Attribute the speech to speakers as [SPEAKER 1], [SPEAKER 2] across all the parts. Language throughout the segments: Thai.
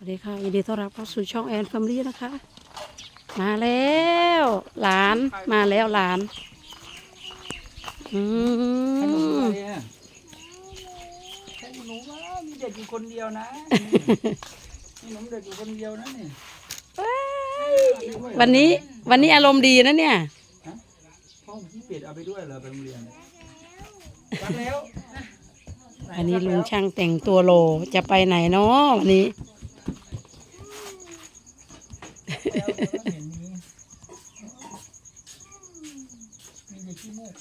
[SPEAKER 1] วัสดีค่ะยินดีต้อนรับเข้าสู่ช่องแอนแฟมิลี่นะคะมาแล้วหลานมาแล้วหลานอื
[SPEAKER 2] ขนม
[SPEAKER 1] ม
[SPEAKER 2] อะไรอ่ะแค่หนูว่ามีเด็กอยู่คนเดียวนะมีหนูเด็กอยู่คนเดียวนะนี่
[SPEAKER 1] วันนี้อารมณ์ดีนะเนี่ย
[SPEAKER 2] ฮะพ่อพี่เป็ดเอาไปด้วยเหรอไปโรงเรียนรักแล้ว
[SPEAKER 1] อันนี้ลุงช่างแต่งตัวโลจะไปไหนเนาะวันนี้
[SPEAKER 2] แล้วเห็นมีเด็กขี้มูก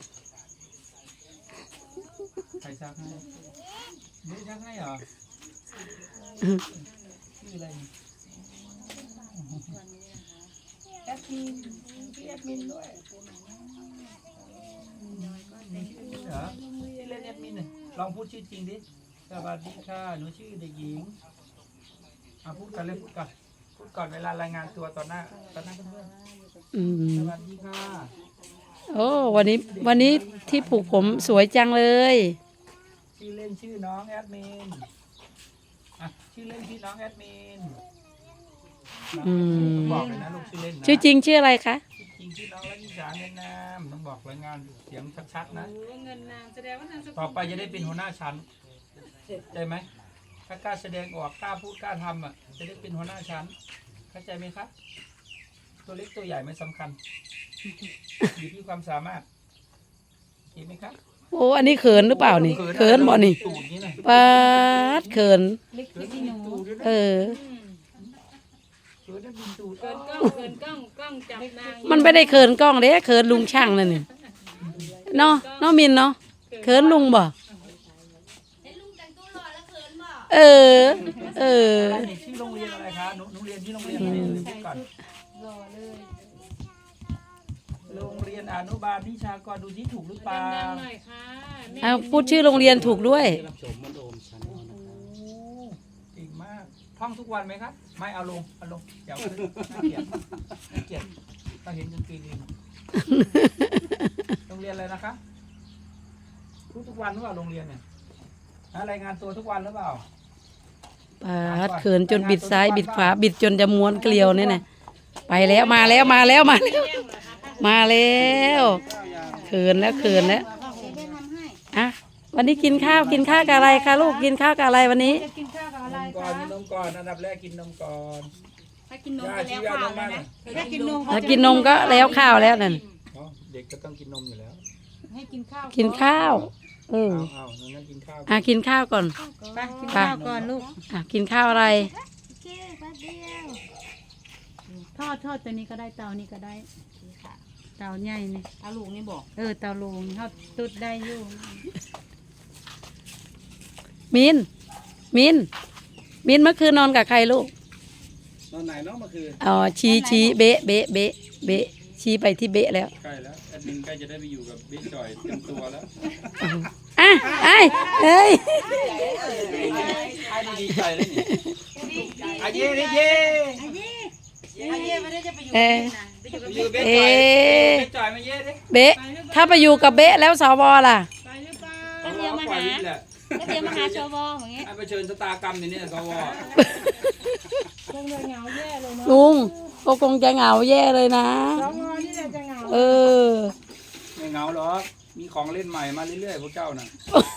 [SPEAKER 2] ใครซักให้เด็กซักให้เหรอชื่ออะไรนี่แอดมินพี่แอดมินด้วยเหรอชื่อเล่นแอดมินเลยลองพูดชื่อจริงดิสวัสดีค่ะหนูชื่อเด็กหญิงพูดกันเลยพูดก่อนเวลารายงานตัวตอนหน้าเพื่อน
[SPEAKER 1] อืม
[SPEAKER 2] ๆสวัสดีค่ะ
[SPEAKER 1] โอ้วันนี้ที่ผูกผมสวยจังเลย
[SPEAKER 2] ชื่อเล่นชื่อน้องแอดมินชื่อเล่นชื่อน้องแอดมิน
[SPEAKER 1] อืม
[SPEAKER 2] บอกเลยนะลูกชื่อเล่นนะ
[SPEAKER 1] ชื่อจริงชื่ออะไรคะ
[SPEAKER 2] จริงชื่อน้องรัชสาเงินนามต้องบอกรายงานเสียงชัดๆนะ
[SPEAKER 3] เงินนามแสดงว่านามสกุล
[SPEAKER 2] ต่อไปจะได้เป็นหัวหน้าชั้นเข้าใจไหมถ้ากล้าแสดงออกกล้าพูดกล้าทำจะได้เป็นหัวหน้าชั้นเข้าใจไหมครับตัวเล็กตัวใหญ่ไม่สำคัญอยู่ที่ความสามารถเห็นไหมครับ
[SPEAKER 1] โอ้อันนี้เขินหรือเปล่านี่เขินบ่นี่
[SPEAKER 2] ตูดนี้นะ
[SPEAKER 1] ปาดเขิน
[SPEAKER 3] เล็กที่หนู
[SPEAKER 2] ตูดด้วยนะ
[SPEAKER 1] เออ
[SPEAKER 2] เขินได้บินตูด
[SPEAKER 3] เกินกล้องจับนาง
[SPEAKER 1] มันไม่ได้เขินกล้องเด้เขินลุงช่างนั่นนี่เนาะเนาะมินเนาะเขินลุงบ่เออ เออ
[SPEAKER 2] อะไรนี่ชื่อโรงเรียนอะไรคะหนูเรียนที่โรงเรียนอะไรเดี๋ยวก่อน
[SPEAKER 3] รอเลย
[SPEAKER 2] โรงเรียนอนุบาลนิชากรดูที่ถูกหรือเปล่า
[SPEAKER 3] ดังๆหน่อยค่ะแม่
[SPEAKER 1] เอาพูดชื่อโรงเรียนถูกด้วย
[SPEAKER 2] โอ้เก่งมาก ท่องทุกวันไหมครับ ไม่เอาลงเดี๋ยวน่าเกลียดเราเห็นจนปีนึงโรงเรียนอะไรนะคะทุกวันหรือเปล่าโรงเรียนเนี่ยรายงานตัวทุกวันหรือเปล่า
[SPEAKER 1] ปาดเขินจนบิดซ้ายบิดขวาบิดจนจะม้วนเกลียวนี่นะไปแล้วมาแล้วมาแล้วมาแล้วมาแล้วเขินแล้วอ่ะวันนี้กินข้าวกับอะไรคะลูกกินข้าวกับอะไรวันนี้
[SPEAKER 3] จะกินข้าวกับอะไร
[SPEAKER 2] นมก่อนอันดับแรกกินนมก่อน
[SPEAKER 3] ถ้ากินนมก็แล้วข้าวแล้วนะถ้ากินนม
[SPEAKER 1] ถ้ากินนมก็แล้วข้าวแล้วนั่น
[SPEAKER 2] เด็กก็ต้องกินนมอยู่แล้ว
[SPEAKER 3] ให้กินข้าว
[SPEAKER 1] กินข้าวเออ
[SPEAKER 2] เอางั้นกินข้าว
[SPEAKER 1] กินข้าวก่อน
[SPEAKER 3] ไปกินข้าวก่อนลูก
[SPEAKER 1] กินข้าวอะไร
[SPEAKER 3] ทอดตัวนี้ก็ได้เตานี้ก็ได้เตาใหญ่นี่
[SPEAKER 4] เตาลูกนี่บอก
[SPEAKER 3] เตาลุงทอดตุดได้อยู่
[SPEAKER 1] มินเมื่อคืนนอนกับใครลูก
[SPEAKER 2] ตอนไหนเนาะเมื่อคืน
[SPEAKER 1] อ๋อชี้เบะชี้ไปที่เบะแล้ว
[SPEAKER 2] ใกล้แล้วแอดมินใกล้จะได้ไปอยู่กับบิ๊กจอยเต็มตัวแล้ว
[SPEAKER 1] อ่ะเอ้ย
[SPEAKER 2] ใครดีใจเลยนี่อาเย่อาเย่
[SPEAKER 4] อาเย่ไม่ได้จะไปอยู่
[SPEAKER 1] เออ
[SPEAKER 4] ไปอยู่กับ
[SPEAKER 2] อยู่บิ๊ก
[SPEAKER 1] เอ๊
[SPEAKER 2] จอย
[SPEAKER 1] ะ
[SPEAKER 2] บิ๊กจอยมาเย่ดิ
[SPEAKER 1] เบะถ้าไปอยู่กับเบะแล้วสวล่ะ
[SPEAKER 3] ไปหรือเปล่า
[SPEAKER 4] ก็เตรียมมาหาก็เตรียมมาหาชวอย่างเงี้ย
[SPEAKER 2] ให้ไปเชิญสตากรรมอย่างนี้สว
[SPEAKER 3] คงเลยเหงาแย่เลยเนาะ
[SPEAKER 1] ลุงก็คงจะเหงาแย่เลยนะ
[SPEAKER 3] สองนี่แหละจะเหงา
[SPEAKER 1] เออ
[SPEAKER 2] ไม่เหงาหรอกมีของเล่นใหม่มาเรื่อยๆพวกเจ้าน่ะ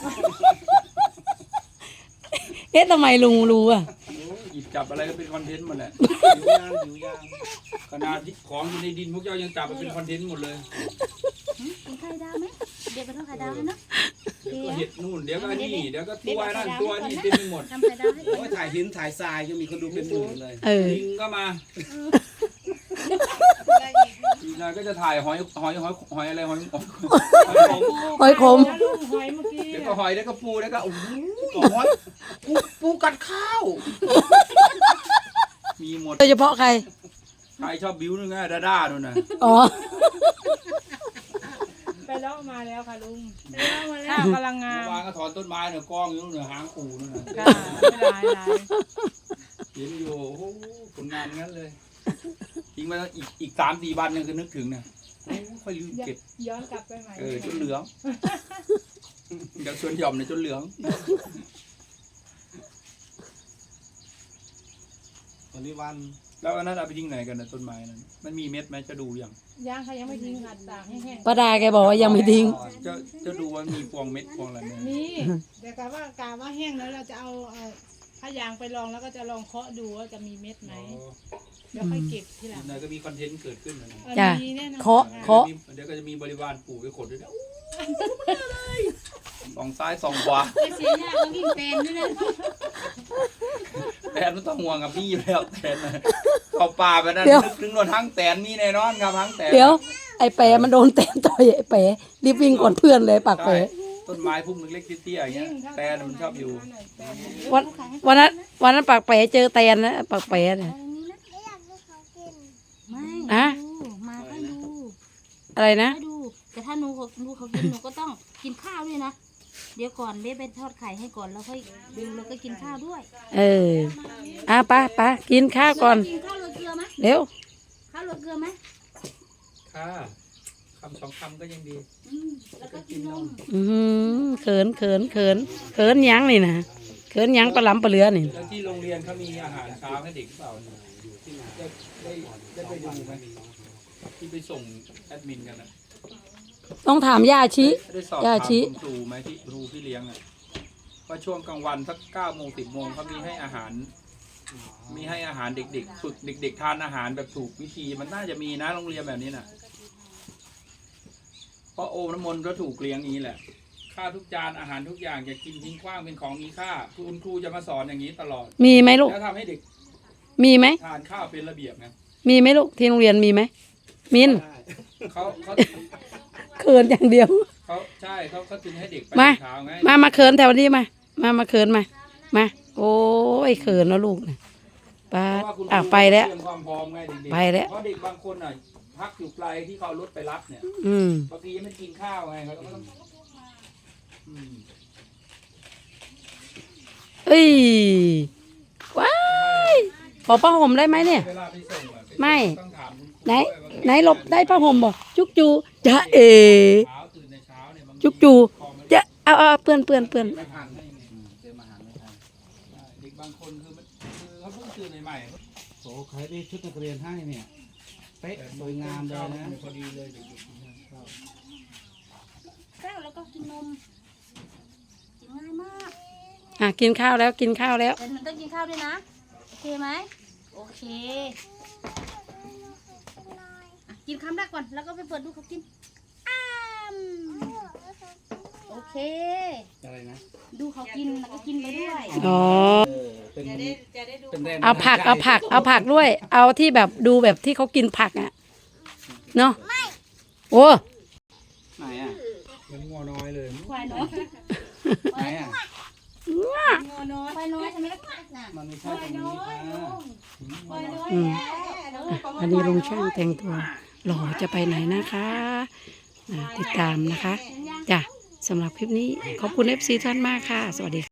[SPEAKER 1] เอ๊ะทำไมลุงรู้อ่ะ
[SPEAKER 2] หยิบจับอะไรก็เป็นคอนเทนต์หมดแหละหิวยางขนาดที่ของอยู่ในดินพวกเจ้ายังจับมาเป็นคอนเทนต์หมดเลย
[SPEAKER 4] กินไข่ดาวไหมเดี๋ยวไปทำไข่ดาวให้เนาะ
[SPEAKER 2] เดี๋ยวก็เห็ดนู่นเดี๋ยวก็นี่เดี๋ยวก็ตัวนั่นตัวนี่เต็มไปหมด
[SPEAKER 4] ทำไข่ดาวให้
[SPEAKER 5] โอ้ยถ่ายหินถ่ายทรายยังมีคนดูเป็นหมื่นเลย
[SPEAKER 1] เออ
[SPEAKER 2] ลิงก็มาอีกหน่อยก็จะถ่ายหอยอะไรหอย
[SPEAKER 1] หอยขม
[SPEAKER 3] ลูกหอยเมื่อกี้
[SPEAKER 2] เดี๋ยวก็หอยเดี๋ยวก็ปูเดี๋ยวก็โอ้โห
[SPEAKER 5] หอยปูกัดข้าว
[SPEAKER 2] มีหมด
[SPEAKER 1] โดยเฉพาะใคร
[SPEAKER 2] ใครชอบบิ้วนึงไงด้านู่นน่ะ
[SPEAKER 1] อ๋อ
[SPEAKER 3] ไปแล้วมาแล้วค่ะลุงข้าวกำลังงาม
[SPEAKER 2] เมื่อวานก็ถอนต้นไม้เนี่ยกองอยู่นู่นน่ะหางปูนู่นน่ะ
[SPEAKER 3] ค่ะไม่หลาย
[SPEAKER 2] เห็นอยู่โอ้โหผลงานงั้นเลยทิ้งไว้แล้วอีก3-4 วันยังคือนึกถึงเนี่ยโอ้ค่อยลืมเก็บ
[SPEAKER 3] ย้อนกลับไปใหม่
[SPEAKER 2] จนเหลืองจากสวนหย่อมเนี่ยจนเหลือง
[SPEAKER 5] วันนี้วัน
[SPEAKER 2] แล้วอันนั้นเอาไปทิ้งไหนกันนะต้นไม้นั้นมันมีเม็ดไหมจะดูยัง
[SPEAKER 3] ย่างเขายังไม่ทิ้งค่ะตากให้แห้ง
[SPEAKER 1] ป้าดาแกบอกว่ายังไม่ทิ้ง
[SPEAKER 2] จะดูว่ามีพวงเม็ดพวงอะไรไหม
[SPEAKER 3] นี่แต่กะว่าแห้งแล้วเราจะเอาผ้ายางไปลองแล้วก็จะลองเคาะดูว่าจะมีเม็ดไหมเดี๋ยวค่อยเก็บทีหลัง
[SPEAKER 2] นายก็มีคอนเทนต์เกิดขึ้นนะ
[SPEAKER 1] จ้ะ
[SPEAKER 3] มีแน่นอน
[SPEAKER 1] เคาะ
[SPEAKER 2] เดี๋ยวก็จะมีบริวารปู่ไปขนด้วยนะสองซ้ายสองขวา
[SPEAKER 4] ไม่เสียยากเราวิ่งเป็นด้วยนะ
[SPEAKER 2] แตนไม่ต้องห่วงกับพี่อยู่แล้วแตนนะเอาป่าไปนั่น
[SPEAKER 1] เดี๋ยว
[SPEAKER 2] นึกถึงรถทั้งแตนมีแน่นอนครับทั้งแตน
[SPEAKER 1] เดี๋ยว ไอ้แปะมันโดนแตนต่อยไอ้แปะรีบวิ่งก่อนเพื่อนเลยปาก
[SPEAKER 2] ใช่
[SPEAKER 1] แปะ
[SPEAKER 2] ต้นไม้พุ่มเล็กๆเตี้ยๆอย่างเงี้ยแตนมันชอบอยู่
[SPEAKER 1] วันนั้นปากแปะเจอแตนนะปากแปะเนี่ย
[SPEAKER 4] ไม่
[SPEAKER 1] อะ
[SPEAKER 4] ดูมาให้ดู
[SPEAKER 1] อะไรนะ
[SPEAKER 4] ให้ดูแต่ถ้าหนูเขากินหนูก็ต้องกินข้าวด้วยนะเดี๋ยวก่อนเบ๊ไปทอดไข่ให้ก่อนแล้วค่อยดูแล้วก็กินข้าวด้วย
[SPEAKER 1] เออไปกินข้าวก่อน
[SPEAKER 4] กินข้าวโรยเกลือไหม
[SPEAKER 1] เร็ว
[SPEAKER 4] ข้าวโรยเกลือไหม
[SPEAKER 2] ค่ะคำสองคำก็ยังดี
[SPEAKER 4] แล้วก็กินนม
[SPEAKER 1] เขินยังนี่นะเขินยังปลาหลำปลาเหลือนี่
[SPEAKER 2] แล้วที่โรงเรียนเขามีอาหารเช้าให้เด็กหรือเปล่าเนี่ยได้ไปดูไหมที่ไปส่งแอดมินกันนะ
[SPEAKER 1] ต้องถามย่าชิ
[SPEAKER 2] ได้สอบ
[SPEAKER 1] ย่า
[SPEAKER 2] ถาม
[SPEAKER 1] ชี้
[SPEAKER 2] คุณครูไหมที่ครูที่เลี้ยงอ่ะว่าช่วงกลางวันสัก9 โมง 10 โมงเขามีให้อาหาร เด็กๆฝึกเด็ก ๆ ทานอาหารแบบถูกวิธีมันน่าจะมีนะโรงเรียนแบบนี้น่ะเพราะโอมน้ำมนต์ก็ถูกเลี้ยงอย่างนี้แหละค่าทุกจานอาหารทุกอย่างอย่ากินทิ้งขว้างเป็นของมีค่าคุณครูจะมาสอนอย่างนี้ตลอด
[SPEAKER 1] มีไหมลูก
[SPEAKER 2] แล้วทำให้เด็ก
[SPEAKER 1] มีไหม
[SPEAKER 2] ทานข้าวเป็นระเบียบไง
[SPEAKER 1] มีไหมลูกที่โรงเรียนมีไหมมิน
[SPEAKER 2] เขา
[SPEAKER 1] เขินอย่างเดียว
[SPEAKER 2] ใช่เขาถึงให้เด็กไป
[SPEAKER 1] มา
[SPEAKER 2] เช้าไง
[SPEAKER 1] มาเขินแถวนี้มาเขินมาโอ้ยเขินแล้วลูกนะป้า
[SPEAKER 2] เพราะว่าคุณครู
[SPEAKER 1] ไปแล้ว
[SPEAKER 2] เตรียมความพร้อมไงเด็กๆ
[SPEAKER 1] ไปแล้ว
[SPEAKER 2] เพราะเด็กบางคนอ่ะพักอยู่ไกลที่เขาเอารถไปรับเนี่ย บางทียังไม่ได้กินข้าวไงเขาก็ต้องอืม
[SPEAKER 1] เอ้ยว้ายขอผ้าห่มได้ไหมเนี่ย
[SPEAKER 2] เวลาไปส่งอะ
[SPEAKER 1] ไม่
[SPEAKER 2] ต้องถามคุณครู
[SPEAKER 1] ไหน
[SPEAKER 2] ด้วยว่า
[SPEAKER 1] ไหนหลบได้ผ้าห่มบ่จุกจูจะเอ
[SPEAKER 2] เช้าตื่นในเช้าเนี่ยบางที
[SPEAKER 1] จุกจู
[SPEAKER 2] พอมัน
[SPEAKER 1] จะเอาเปื้อน
[SPEAKER 2] ไม่ทันให้ไง
[SPEAKER 5] เตรียมอาหารไม่ทัน
[SPEAKER 2] ใช่เด็กบางคนคือเขาเพิ่งตื่นใหม่ๆ
[SPEAKER 5] โอ้ใครได้ชุดนักเรียนให้เนี่ยเป๊ะสวยงามเลยนะ
[SPEAKER 2] พอดีเลยเด็กๆนะครับ
[SPEAKER 4] ข้าวแล้วก็กินนมกินง่ายมาก
[SPEAKER 1] กินข้าวแล้ว
[SPEAKER 4] แต่หนูต้องกินข้าวด้วยนะโอเคไหมโอเคกินคำแรกก่อนแล้วก็ไปเปิดดูเขากินโอเค
[SPEAKER 5] อะไรนะ
[SPEAKER 4] ดูเขากินแล้วก็กินไปด้วย
[SPEAKER 1] อ๋อ
[SPEAKER 5] เป็นเป็นแรง
[SPEAKER 1] เอาผักด้วย เอาที่แบบดูแบบที่เขากินผักอ่ะเนาะโอ้
[SPEAKER 5] ไหนอ่ะ
[SPEAKER 2] มันงัวน้อยเลย
[SPEAKER 4] ควายน้อย
[SPEAKER 5] ไหนอ่ะ
[SPEAKER 4] ควายน้อยใช่ไหมล่ะน่ะ
[SPEAKER 5] มันไม่ใช่ตรงนี้ค่ะ
[SPEAKER 1] อืมอันนี้ลุงช่างแต่งตัวหล่อจะไปไหนนะคะติดตามนะคะจ้ะสำหรับคลิปนี้ขอบคุณ FC ท่านมากค่ะ สวัสดีค่ะ